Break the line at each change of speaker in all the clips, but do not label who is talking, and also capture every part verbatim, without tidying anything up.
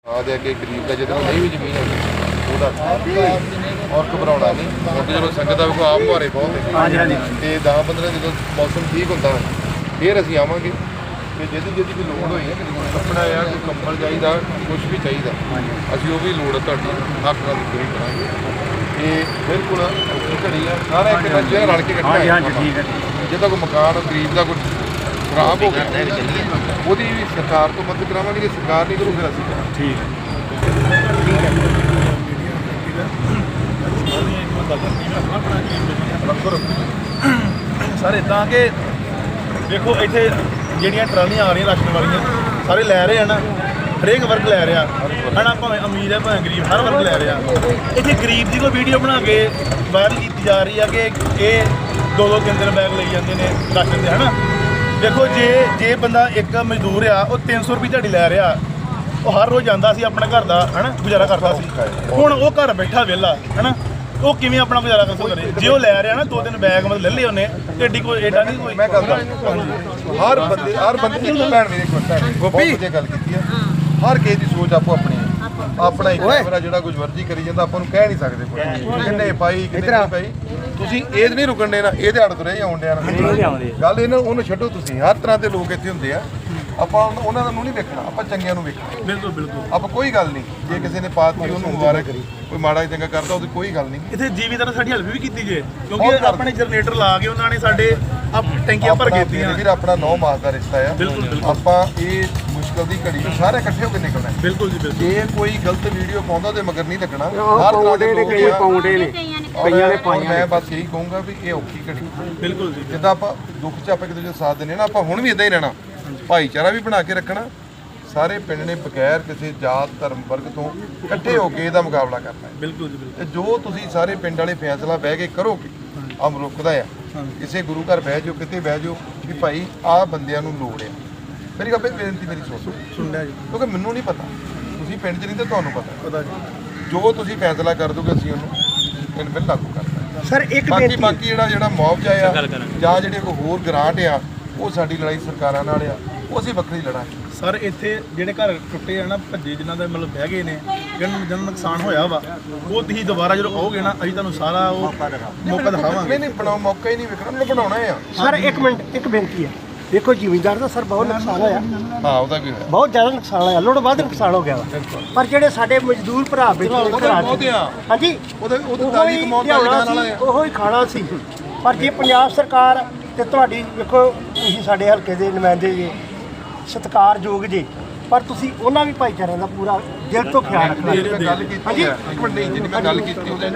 ਆਦੇ ਅੱਗੇ ਗਰੀਬ ਦਾ ਜਦੋਂ ਨਹੀਂ ਵੀ ਜ਼ਮੀਨ ਹੋਵੇ ਉਹਦਾ ਔਰ ਘਬਰਾਉਣਾ ਨਹੀਂ। ਹੁਣ ਜਦੋਂ ਸੰਗਤ ਦਾ ਆਪ ਮੁਹਾਰੇ ਬਹੁਤ ਹੈ ਹਾਂਜੀ ਹਾਂਜੀ ਤੇ ਦਸ ਪੰਦਰਾਂ ਜਦੋਂ ਮੌਸਮ ਠੀਕ ਹੁੰਦਾ ਫਿਰ ਅਸੀਂ ਆਵਾਂਗੇ ਤੇ ਜਿਹਦੀ ਜਿਹਦੀ ਕੋਈ ਲੋੜ ਹੋਈ ਹੈ ਕਿ ਕੱਪੜਾ ਆ ਕੋਈ ਕੰਬਲ ਚਾਹੀਦਾ ਕੁਝ ਵੀ ਚਾਹੀਦਾ ਅਸੀਂ ਉਹ ਵੀ ਲੋੜ ਤੁਹਾਡੀ ਹੱਕ ਨਾਲ ਪੂਰੀ ਕਰਾਂਗੇ। ਇਹ ਬਿਲਕੁਲ ਘੜੀ ਆ ਸਾਰਾ ਇੱਕ ਬੱਚਾ ਰਲ ਕੇ ਕੱਟਣਾ ਹਾਂਜੀ ਹਾਂਜੀ ਠੀਕ ਹੈ। ਜਿਹਦਾ ਕੋਈ ਮਕਾਨ ਗਰੀਬ ਦਾ ਕੋਈ ਖਰਾਬ ਹੋ ਗਿਆ ਉਹਦੀ ਵੀ ਸਰਕਾਰ ਤੋਂ ਮਦਦ ਕਰਾਵਾਂਗੇ। ਜੇ ਸਰਕਾਰ ਨਹੀਂ ਕਰੂ ਫਿਰ ਅਸੀਂ ਕਰਾਂਗੇ। ਠੀਕ ਹੈ
ਸਰ ਇੱਦਾਂ ਕਿ ਦੇਖੋ ਇੱਥੇ ਜਿਹੜੀਆਂ ਟਰਾਲੀਆਂ ਆ ਰਹੀਆਂ ਰਾਸ਼ਨ ਵਾਲੀਆਂ ਸਾਰੇ ਲੈ ਰਹੇ ਆ ਨਾ, ਹਰੇਕ ਵਰਗ ਲੈ ਰਿਹਾ ਹੈ ਨਾ, ਭਾਵੇਂ ਅਮੀਰ ਹੈ ਭਾਵੇਂ ਗਰੀਬ ਹਰ ਵਰਗ ਲੈ ਰਿਹਾ। ਇੱਥੇ ਗਰੀਬ ਦੀ ਕੋਈ ਵੀਡੀਓ ਬਣਾ ਕੇ ਵਾਇਰਲ ਕੀਤੀ ਜਾ ਰਹੀ ਹੈ ਕਿ ਇਹ ਦੋ ਦੋ ਤਿੰਨ ਤਿੰਨ ਬੈਗ ਲਈ ਜਾਂਦੇ ਨੇ ਰਾਸ਼ਨ ਦੇ ਹੈ ਨਾ। ਦੇਖੋ ਜੇ ਜੇ ਬੰਦਾ ਇੱਕ ਮਜ਼ਦੂਰ ਆ ਉਹ ਤਿੰਨ ਸੌ ਰੁਪਏ ਦਿਹਾੜੀ ਲੈ ਰਿਹਾ, ਉਹ ਹਰ ਰੋਜ਼ ਜਾਂਦਾ ਸੀ ਆਪਣੇ ਘਰ ਦਾ ਹੈ ਨਾ ਗੁਜ਼ਾਰਾ ਕਰਦਾ ਸੀ। ਹੁਣ ਉਹ ਘਰ ਬੈਠਾ ਵਿਹਲਾ ਹੈ ਨਾ, ਉਹ ਕਿਵੇਂ ਆਪਣਾ ਗੁਜ਼ਾਰਾ ਕਰ ਕਰੇ? ਜੇ ਉਹ ਲੈ ਰਿਹਾ ਨਾ ਦੋ ਤਿੰਨ ਬੈਗ ਮਤਲਬ ਲੈ ਲਏ ਉਹਨੇ ਤੇ ਏਡੀ ਕੋਈ ਏਡਾ ਨਹੀਂ ਕੋਈ।
ਮੈਂ ਗੱਲ ਹਰ ਬੰਦੇ ਹਰ ਬੰਦੇ ਇੱਕ ਭੈਣ ਮੇਰੇ ਕੋਲ ਭੈਣ ਗੋਪੀ ਵਧੀਆ ਗੱਲ ਕੀਤੀ ਆ। ਹਰ ਕਿਸੇ ਦੀ ਸੋਚ ਆਪੋ ਆਪਣੀ ਆਪਣਾ ਇੱਕ ਕੈਮਰਾ ਜਿਹੜਾ ਕੁਝ ਵਰਜੀ ਕਰੀ ਜਾਂਦਾ ਆਪਾਂ ਨੂੰ ਕਹਿ ਨਹੀਂ ਸਕਦੇ ਕੋਈ ਕਿੰਨੇ ਪਾਈ ਕਿੰਨੇ ਨਹੀਂ ਪਾਈ। ਤੁਸੀਂ ਇਹ ਨਹੀਂ ਰੁਕਣ ਦੇਣਾ, ਇਹਦੇ ਅੜ ਤੁਰੇ ਆਉਣ ਡਿਆ ਗੱਲ ਇਹਨਾਂ ਉਹਨੂੰ ਛੱਡੋ। ਤੁਸੀਂ ਹਰ ਤਰ੍ਹਾਂ ਦੇ ਲੋਕ ਇੱਥੇ ਹੁੰਦੇ ਆ, ਆਪਾਂ ਉਹਨਾਂ ਨੂੰ ਨਹੀਂ ਵੇਖਣਾ, ਆਪਾਂ ਚੰਗਿਆਂ ਨੂੰ ਵੇਖਣਾ।
ਬਿਲਕੁਲ ਬਿਲਕੁਲ ਆਪਾਂ
ਕੋਈ ਗੱਲ ਨਹੀਂ ਜੇ ਕਿਸੇ ਨੇ ਪਾਤੀ ਉਹਨੂੰ ਮੁਬਾਰਕ, ਕੋਈ ਮਾੜਾ ਚੰਗਾ ਕਰਦਾ ਉਹਦੀ ਕੋਈ ਗੱਲ ਨਹੀਂ।
ਇੱਥੇ ਜੀਵੀਦਾਰ ਸਾਡੀ ਹੈਲਪ ਵੀ ਕੀਤੀ ਜੇ ਕਿਉਂਕਿ ਆਪਣੇ ਜਨਰੇਟਰ ਲਾ ਕੇ ਉਹਨਾਂ ਨੇ ਸਾਡੇ ਟੈਂਕੀਆਂ ਭਰ ਕੇ ਦਿੱਤੀਆਂ।
ਵੀਰ ਆਪਣਾ ਨੌ ਮਾਸ ਦਾ ਰਿਸ਼ਤਾ ਆ। ਆਪਾਂ ਇਹ ਮੁਸ਼ਕਲ ਦੀ ਘੜੀ ਸਾਰੇ ਇਕੱਠੇ ਹੋ ਕੇ ਨਿਕਲਣਾ। ਬਿਲਕੁਲ ਜੀ ਬਿਲਕੁਲ। ਜੇ ਕੋਈ ਗਲਤ ਵੀਡੀਓ ਪਾਉਂਦਾ ਉਹਦੇ ਮਗਰ ਨਹੀਂ ਲੱਗਣਾ। ਹਰ ਤਰ੍ਹਾਂ ਦੇ ਲੋਕ ਆ ਪਾਉਂਦੇ ਨੇ ਕਈਆਂ ਨੇ ਪਾਈਆਂ। ਮੈਂ ਬਸ ਇਹੀ ਕਹੂੰਗਾ ਵੀ ਇਹ ਔਖੀ ਘੜੀ ਬਿਲਕੁਲ ਜੀ ਜਿੱਦਾਂ ਆਪਾਂ ਦੁੱਖ 'ਚ ਆਪਾਂ ਇੱਕ ਦੂਜੇ ਸਾਥ ਦਿੰਦੇ ਨਾ, ਆਪਾਂ ਹੁਣ ਵੀ ਇਦਾਂ ਹੀ ਰਹਿਣਾ। ਭਾਈਚਾਰਾ ਵੀ ਬਣਾ ਕੇ ਰੱਖਣਾ। ਸਾਰੇ ਪਿੰਡ ਨੇ ਬਗੈਰ ਕਿਸੇ ਜਾਤ ਧਰਮ ਵਰਗ ਤੋਂ ਇਕੱਠੇ ਹੋ ਕੇ ਇਹਦਾ ਮੁਕਾਬਲਾ ਕਰਨਾ। ਬਿਲਕੁਲ ਜੀ ਬਿਲਕੁਲ। ਤੇ ਜੋ ਤੁਸੀਂ ਸਾਰੇ ਪਿੰਡ ਵਾਲੇ ਫੈਸਲਾ ਬਹਿ ਕੇ ਕਰੋਗੇ ਅਮ ਰੁਕਦਾ ਆ। ਕਿਸੇ ਗੁਰੂ ਘਰ ਬਹਿ ਜਾਓ ਕਿਤੇ ਬਹਿ ਜਾਓ ਵੀ ਭਾਈ ਆਹ ਬੰਦਿਆਂ ਨੂੰ ਲੋੜ ਆ। ਮੇਰੀ ਗੱਲ ਬੇਨਤੀ ਮੇਰੀ ਸੁਣੋ ਸੁਣਿਆ ਜੀ ਕਿਉਂਕਿ ਮੈਨੂੰ ਨਹੀਂ ਪਤਾ, ਤੁਸੀਂ ਪਿੰਡ 'ਚ ਨਹੀਂ ਤਾਂ ਤੁਹਾਨੂੰ ਪਤਾ। ਜੋ ਤੁਸੀਂ ਫੈਸਲਾ ਕਰ ਦੋਗੇ ਅਸੀਂ ਉਹਨੂੰ ਪਿੰਡ ਬਿਲ ਲਾਗੂ ਕਰਨਾ।
ਸਰ ਇੱਕ
ਬਾਕੀ ਬਾਕੀ ਜਿਹੜਾ ਜਿਹੜਾ ਮੁਆਵਜ਼ਾ ਆ ਜਾਂ ਜਿਹੜੇ ਕੋਈ ਹੋਰ ਗ੍ਰਾਂਟ ਆ ਉਹ ਸਾਡੀ ਲੜਾਈ ਸਰਕਾਰਾਂ ਨਾਲ ਆ, ਉਹ ਅਸੀਂ ਵੱਖਰੀ ਲੜਾਂਗੇ। ਸਰ ਇੱਥੇ ਜਿਹੜੇ ਘਰ ਟੁੱਟੇ ਆ ਨਾ ਭੱਜੇ ਜਿਨ੍ਹਾਂ ਦਾ ਮਤਲਬ ਬਹਿ ਗਏ ਨੇ ਜਿਹਨਾਂ ਨੂੰ ਜਿਹਨਾਂ ਨੁਕਸਾਨ ਹੋਇਆ ਵਾ ਉਹ ਤੁਸੀਂ ਦੁਬਾਰਾ ਜਦੋਂ ਆਓਗੇ ਨਾ ਅਸੀਂ ਤੁਹਾਨੂੰ ਸਾਰਾ ਉਹ ਮੌਕਾ ਦਿਖਾਵਾਂਗੇ। ਨਹੀਂ ਨਹੀਂ ਬਣਾਓ ਮੌਕਾ ਹੀ ਨਹੀਂ ਵੇਖਣਾ, ਉਹਨੂੰ ਬਣਾਉਣਾ ਆ।
ਸਰ ਇੱਕ ਮਿੰਟ ਇੱਕ ਬੇਨਤੀ ਹੈ। ਦੇਖੋ ਜ਼ਿਮੀਂਦਾਰ ਦਾ ਸਰ ਬਹੁਤ ਨੁਕਸਾਨ ਹੋਇਆ।
ਹਾਂ ਉਹਦਾ ਵੀ ਹੋਇਆ
ਬਹੁਤ ਜ਼ਿਆਦਾ ਨੁਕਸਾਨ ਹੋਇਆ, ਲੋੜ ਵੱਧ ਨੁਕਸਾਨ ਹੋ ਗਿਆ ਵਾ। ਪਰ ਜਿਹੜੇ ਸਾਡੇ ਮਜ਼ਦੂਰ ਭਰਾ ਬੈਠੇ ਹਾਂਜੀ
ਉਹਦੇ ਉਹਦੇ ਤਾਜੀ ਕਮਾਉਣ ਦਾ ਵਾਲਾ ਆ
ਉਹੋ ਹੀ ਖਾਣਾ ਸੀ। ਪਰ ਜੇ ਪੰਜਾਬ ਸਰਕਾਰ ਤੇ ਤੁਹਾਡੀ ਵੇਖੋ ਤੁਸੀਂ ਸਾਡੇ ਹਲਕੇ ਦੇ ਨੁਮਾਇੰਦੇ ਜੀ ਸਤਿਕਾਰਯੋਗ ਜੀ, ਪਰ ਤੁਸੀਂ ਉਹਨਾਂ ਵੀ ਭਾਈਚਾਰਿਆਂ ਦਾ ਪੂਰਾ ਦਿਲ ਤੋਂ ਖਿਆਲ ਰੱਖਣਾ।
ਗੱਲ ਕੀਤੀ ਹੈ ਇੱਕ ਮਿੰਟ ਨਹੀਂ ਜਿੰਨੀ ਮੈਂ ਗੱਲ ਕੀਤੀ ਉਹਦੇ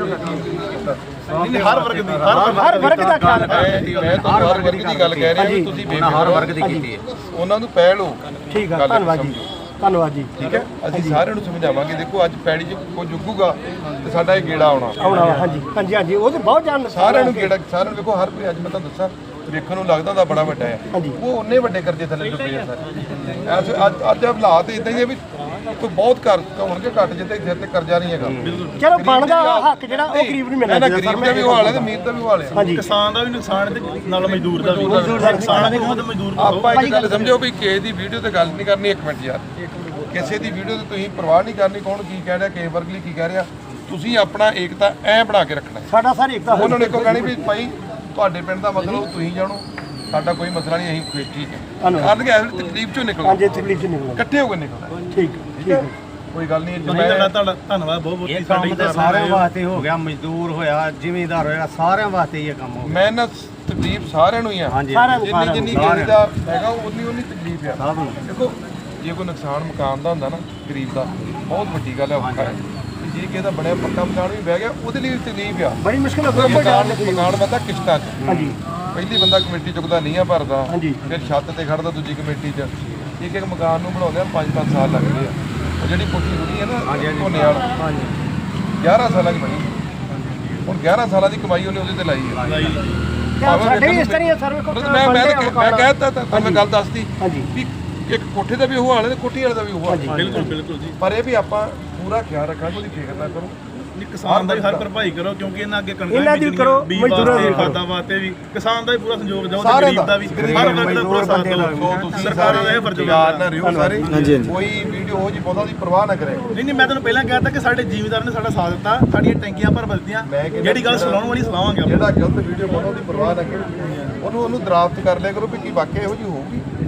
ਹਰ ਵਰਗ ਦੀ
ਹਰ ਵਰਗ ਦਾ ਖਿਆਲ ਰੱਖਣਾ।
ਮੈਂ ਤਾਂ ਹਰ ਵਰਗ ਦੀ ਗੱਲ ਕਹਿ ਰਿਹਾ ਤੁਸੀਂ ਹਰ ਵਰਗ ਦੀ ਕੀਤੀ ਹੈ ਉਹਨਾਂ ਨੂੰ ਪਹਿਲ ਹੋ।
ਠੀਕ ਹੈ ਧੰਨਵਾਦ ਜੀ ਧੰਨਵਾਦ ਜੀ।
ਠੀਕ ਹੈ ਅਸੀਂ ਸਾਰਿਆਂ ਨੂੰ ਸਮਝਾਵਾਂਗੇ। ਦੇਖੋ ਅੱਜ ਪੈੜੀ 'ਚ ਕੋਈ ਜੁਗੂਗਾ ਤੇ ਸਾਡਾ ਇਹ ਗੇੜਾ ਆਉਣਾ
ਆਉਣਾ ਹਾਂਜੀ ਹਾਂਜੀ ਹਾਂਜੀ ਉਹ ਤਾਂ ਬਹੁਤ ਜਾਨ
ਸਾਰਿਆਂ ਨੂੰ ਗੇੜਾ ਸਾਰਿਆਂ ਨੂੰ ਵੇਖੋ ਹਰ ਕੋਈ ਅੱਜ ਮੈਂ ਤੁਹਾਨੂੰ ਦੱਸਾਂ ਵੇਖਣ ਨੂੰ ਲੱਗਦਾ ਤਾਂ ਬੜਾ ਵੱਡਾ ਹੈ ਉਹ ਉਹਨੇ ਵੱਡੇ ਕਰਜ਼ੇ ਥੱਲੇ ਡੁੱਬੇ ਆ ਸਾਰੇ। ਅੱਜ ਅੱਜ ਹਾਲਾਤ ਇਦਾਂ ਹੀ ਆ ਵੀ ਕੋਈ ਬਹੁਤ ਘਰ ਹੋਣਗੇ ਘੱਟ ਜਿੱਤੇ ਸਿਰ ਤੇ ਕਰਜ਼ਾ ਨਹੀਂ ਹੈਗਾ।
ਚਲੋ ਬਣਦਾ ਹੱਕ ਜਿਹੜਾ ਉਹ ਗਰੀਬ ਨੂੰ ਮਿਲਣਾ ਚਾਹੀਦਾ।
ਗਰੀਬ ਦਾ ਵੀ ਹਾਲ ਹੈ ਤੇ ਅਮੀਰ ਦਾ ਵੀ ਹਾਲ ਹੈ।
ਕਿਸਾਨ ਦਾ ਵੀ ਨੁਕਸਾਨ ਤੇ ਨਾਲ ਮਜ਼ਦੂਰ ਦਾ ਵੀ ਨੁਕਸਾਨ ਹੈ ਤੇ ਮਜ਼ਦੂਰ ਦਾ।
ਆਪਾਂ ਇੱਕ ਗੱਲ ਸਮਝੋ ਵੀ ਕਿਸੇ ਦੀ ਵੀਡੀਓ ਤੇ ਗੱਲ ਨਹੀਂ ਕਰਨੀ। ਇੱਕ ਮਿੰਟ ਯਾਰ ਕਿਸੇ ਦੀ ਵੀਡੀਓ ਤੇ ਤੁਸੀਂ ਪਰਵਾਹ ਨਹੀਂ ਕਰਨੀ ਕੌਣ ਕੀ ਕਹਿ ਰਿਹਾ ਕਿਸੇ ਵਰਗ ਲਈ ਕੀ ਕਹਿ ਰਿਹਾ। ਤੁਸੀਂ ਆਪਣਾ ਏਕਤਾ ਐ ਬਣਾ ਕੇ ਰੱਖਣਾ।
ਸਾਡਾ ਸਰ ਏਕਤਾ
ਉਹਨਾਂ ਨੇ ਇੱਕੋ ਕਹਿਣੀ ਵੀ ਭਾਈ ਤੁਹਾਡੇ ਪਿੰਡ ਦਾ ਮਸਲਾ ਤੁਸੀਂ ਜਾਣੋ ਸਾਡਾ ਕੋਈ ਮਸਲਾ ਨਹੀਂ ਅਸੀਂ ਠੀਕ ਹੈ ਕਰਨ ਕੇ ਤਕਲੀਫ ਚੋਂ ਨਿਕਲੋ।
ਹਾਂਜੀ ਤਕਲੀਫ ਚੋਂ ਨਿਕਲੋ
ਇਕੱਠੇ ਹੋ ਕੇ ਨਿਕਲਣਾ। ਠੀਕ ਠੀਕ ਹੈ ਕੋਈ ਗੱਲ ਨਹੀਂ।
ਤੁਹਾਡਾ ਧੰਨਵਾਦ ਬਹੁਤ ਬਹੁਤ।
ਇਹ ਕੰਮ ਤੇ ਸਾਰਿਆਂ ਵਾਸਤੇ ਹੋ ਗਿਆ, ਮਜ਼ਦੂਰ ਹੋਇਆ ਜ਼ਿਮੀਂਦਾਰ ਹੋਇਆ ਸਾਰਿਆਂ ਵਾਸਤੇ ਇਹ ਕੰਮ ਹੋ ਗਿਆ।
ਮੈਂ ਨਾ ਤਕਲੀਫ ਸਾਰਿਆਂ ਨੂੰ ਹੀ ਆ ਜਿੰਨੀ ਜਿੰਨੀ ਕਿਸੇ ਦਾ ਹੈਗਾ ਉਨੀ ਉਨੀ ਤਕਲੀਫ ਆ। ਦੇਖੋ ਜੇ ਕੋਈ ਨੁਕਸਾਨ ਮਕਾਨ ਦਾ ਹੁੰਦਾ ਨਾ ਗਰੀਬ ਦਾ ਬਹੁਤ ਵੱਡੀ ਗੱਲ ਹੈ ਔਖਾ ਹੈ। ਜੇ ਕਿਸੇ ਦਾ ਬਣਿਆ ਪੱਕਾ ਮਕਾਨ ਵੀ ਬਹਿ ਗਿਆ ਉਹਦੇ ਲਈ ਤਕਲੀਫ ਆ
ਬੜੀ ਮੁਸ਼ਕਿਲ ਹੋ
ਗਈ। ਮਕਾਨ ਮਕਾਨ ਬੰਦਾ ਕਿਸ਼ਤਾਂ 'ਚ
ਹਾਂਜੀ
ਪਹਿਲੀ ਬੰਦਾ ਕਮੇਟੀ ਚੁੱਕਦਾ ਨਹੀਂ ਆ ਭਰਦਾ ਫਿਰ ਛੱਤ ਤੇ ਖੜਦਾ ਦੂਜੀ ਕਮੇਟੀ 'ਚ ਇੱਕ ਇੱਕ ਮਕਾਨ ਨੂੰ ਬਣਾਉਂਦੇ ਆ ਪੰਜ ਪੰਜ ਸਾਲ ਲੱਗਦੇ ਆ। ਉਹ ਜਿਹੜੀ ਕੋਠੀ ਬਣੀ ਹੈ ਨਾ ਝੋਨੇ ਵਾਲਾ ਗਿਆਰਾਂ ਸਾਲਾਂ ਦੀ ਬਣੀ। ਹੁਣ ਗਿਆਰਾਂ ਸਾਲਾਂ ਦੀ ਕਮਾਈ ਉਹਨੇ ਉਹਦੇ ਤੇ ਲਾਈ ਹੈ।
ਸਾਡੇ ਇਸ ਤਰ੍ਹਾਂ ਸਰ
ਮੈਂ ਮੈਂ ਮੈਂ ਕਹਿਤਾ ਤਾਂ ਮੈਂ ਗੱਲ ਦੱਸਦੀ ਵੀ ਇੱਕ ਕੋਠੇ ਦਾ ਵੀ ਉਹ ਹਾਲ ਹੈ ਤੇ ਕੋਠੀ ਵਾਲੇ ਦਾ ਵੀ ਉਹ ਹਾਲ ਹੈ।
ਬਿਲਕੁਲ ਬਿਲਕੁਲ ਜੀ।
ਪਰ ਇਹ ਵੀ ਆਪਾਂ ਪੂਰਾ ਖਿਆਲ ਰੱਖਾਂਗੇ ਉਹਦੀ ਫਿਕਰ ਨਾ ਕਰੋ।
ਨਹੀਂ, ਕਿਸਾਨ ਦਾ ਵੀ ਹਰ ਭਰਪਾਈ ਕਰੋ ਕਿਉਂਕਿ ਇਹਨਾਂ ਅੱਗੇ ਕਣਕਾਂ
ਇਹਨਾਂ ਦੀ ਵੀ ਕਰੋ, ਮਜ਼ਦੂਰਾਂ ਦੀ ਵੀ ਕਰੋ।
ਖਾਦਾਂ ਵਾਸਤੇ ਵੀ ਕਿਸਾਨ ਦਾ ਵੀ ਪੂਰਾ ਸੰਯੋਗ ਦਿਓ ਤੇ
ਸਾਰਿਆਂ
ਗਰੀਬ ਦਾ ਵੀ
ਗਰੀਬ
ਹਰ ਵਰਗ ਦਾ ਪੂਰਾ ਸਾਥ
ਬੰਦੇ ਦਾ
ਦਿਓ
ਤੁਸੀਂ
ਸਰਕਾਰਾਂ ਦਾ ਇਹ ਫਰਜ਼
ਯਾਦ
ਬਣਦਾ
ਨਾ ਰਿਓ ਸਾਰੇ ਕੋਈ ਵੀਡੀਓ ਹੋ ਜੀ ਬਹੁਤਾ ਦੀ ਪਰਵਾਹ ਨਾ ਕਰੇ
ਨਹੀਂ ਨਹੀਂ ਮੈਂ ਤੁਹਾਨੂੰ ਪਹਿਲਾਂ ਕਹਿ ਤਾ ਕਿ ਸਾਡੇ ਜ਼ਿਮੀਂਦਾਰ ਨੇ ਸਾਡਾ ਸਾਥ ਦਿੱਤਾ ਸਾਡੀਆਂ ਟੈਂਕੀਆਂ ਭਰ ਦਿੱਤੀਆਂ
ਮੈਂ ਕਹਿੰਦਾ
ਜਿਹੜੀ ਗੱਲ ਸੁਣਾਉਣ ਵਾਲੀ ਸੁਣਾਵਾਂਗੇ ਆਪਾਂ।
ਜਿਹੜਾ ਗਲਤ ਵੀਡੀਓ ਬਹੁਤਾ ਦੀ ਪਰਵਾਹ ਨਾ ਕਰੇ ਉਹਨੂੰ ਉਹਨੂੰ ਦਰਾਫਤ ਕਰ ਲਿਆ ਕਰੋ ਵੀ ਕੀ ਵਾਕਿਆ ਇਹੋ ਜਿਹੀ ਹੋਊਗੀ